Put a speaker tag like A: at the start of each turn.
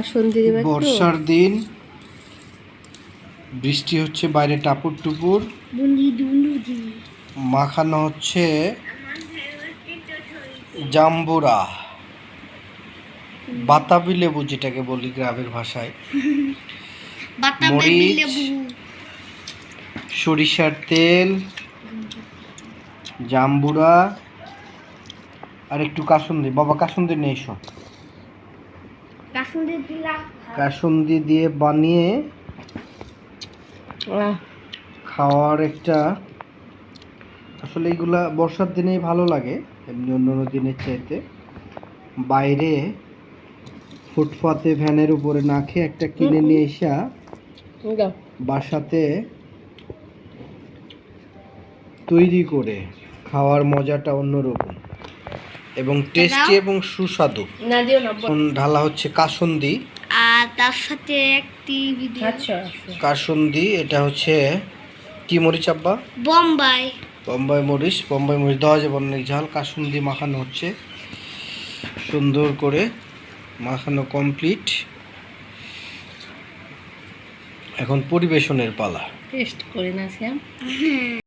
A: কাসুন্দি দিবে একটু।
B: বর্ষার দিন, বৃষ্টি হচ্ছে বাইরে টাপুর টুপুর, মাখানো হচ্ছে জাম্বুরা, বাতাবি লেবু যেটাকে বলি গ্রামের ভাষায়, মরিচ, সরিষার তেল, জাম্বুরা আর একটু কাসুন্দি। বাবা কাসুন্দি নিয়ে এসো। কাসুন্দি দিয়ে বানিয়ে খাওয়ার একটা, আসলে এইগুলা বর্ষার দিনেই ভালো লাগে, এমনি অন্য দিনের চাইতে। বাইরে ফুটপাতে ভ্যানের উপরে না খেয়ে একটা কিনে নিয়ে এসা বাসাতে তৈরি করে খাওয়ার মজাটা অন্যরকম এবং টেস্টি এবং সুস্বাদু। ঢালা হচ্ছে কাসুন্দি,
C: আর তার সাথে একটি
B: কাসুন্দি। এটা হচ্ছে কি মরিচ আব্বা?
C: বোম্বাই
B: বোম্বাই মরিচ। বোম্বাই মরিচ দেওয়া যাবে অনেক ঝাল। কাসুন্দি মাখানো হচ্ছে সুন্দর করে, মাখানো কমপ্লিট। এখন পরিবেশনের পালা।
A: টেস্ট করে না শ্যাম।